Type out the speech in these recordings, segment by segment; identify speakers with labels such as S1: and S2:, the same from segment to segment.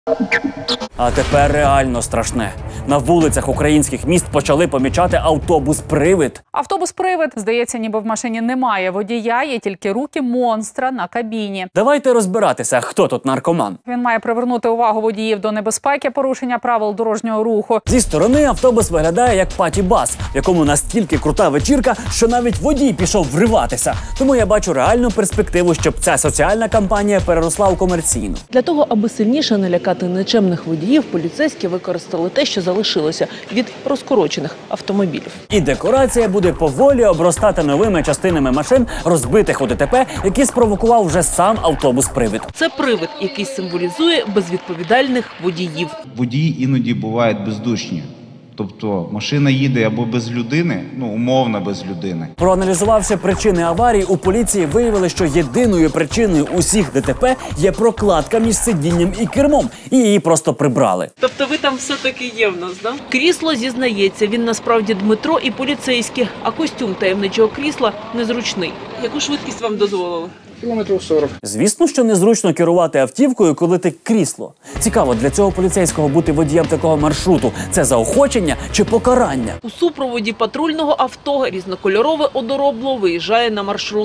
S1: А тепер реально страшне. На вулицях українських міст почали помічати автобус-привид.
S2: Автобус-привид, здається, ніби в машині немає водія, є тільки руки монстра на кабіні.
S1: Давайте розбиратися, хто тут наркоман.
S2: Він має привернути увагу водіїв до небезпеки порушення правил дорожнього руху.
S1: Зі сторони автобус виглядає як паті-бас, в якому настільки крута вечірка, що навіть водій пішов вриватися. Тому я бачу реальну перспективу, щоб ця соціальна кампанія переросла у комерційну.
S3: Для того, аби сильніше налякати нечемних водіїв, поліцейські використали те, що залишилося від розкорочених автомобілів.
S1: І декорація буде поволі обростати новими частинами машин, розбитих у ДТП, які спровокував вже сам автобус-привид.
S3: Це привид, який символізує безвідповідальних водіїв.
S4: Водії іноді бувають бездушні. Тобто машина їде або без людини, умовно без людини.
S1: Проаналізувавши причини аварії, у поліції виявили, що єдиною причиною усіх ДТП є прокладка між сидінням і кермом, і її просто прибрали.
S3: Тобто ви там все-таки є в нас, да? Крісло зізнається, він насправді Дмитро і поліцейські, а костюм таємничого крісла незручний. Яку швидкість вам дозволили?
S5: Кілометрів 40.
S1: Звісно, що незручно керувати автівкою, коли ти крісло. Цікаво, для цього поліцейського бути водієм такого маршруту – це заохочення чи покарання?
S3: У супроводі патрульного авто різнокольорове одоробло виїжджає на маршрут.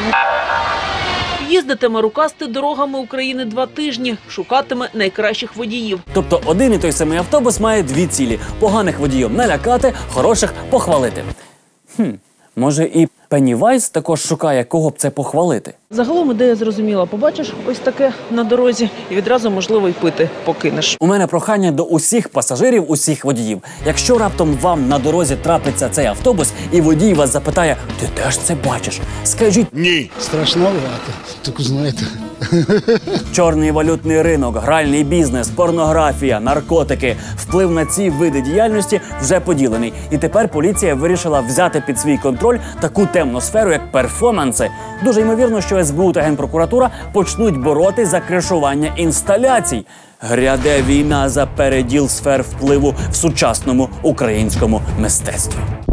S3: Їздитиме рукасти дорогами України 2 тижні, шукатиме найкращих водіїв.
S1: Тобто один і той самий автобус має дві цілі – поганих водіїв налякати, хороших похвалити. Може і Пеннівайз також шукає, кого б це похвалити?
S3: Загалом ідея зрозуміла. Побачиш ось таке на дорозі і відразу, можливо, й пити покинеш.
S1: У мене прохання до усіх пасажирів, усіх водіїв. Якщо раптом вам на дорозі трапиться цей автобус і водій вас запитає «Ти теж це бачиш?», скажіть
S5: Ні. Страшновато, так знаєте.
S1: чорний валютний ринок, гральний бізнес, порнографія, наркотики. Вплив на ці види діяльності вже поділений. І тепер поліція вирішила взяти під свій контроль таку темну сферу, як перформанси. Дуже ймовірно, що СБУ та Генпрокуратура почнуть бороти за кришування інсталяцій. Гряде війна за переділ сфер впливу в сучасному українському мистецтві.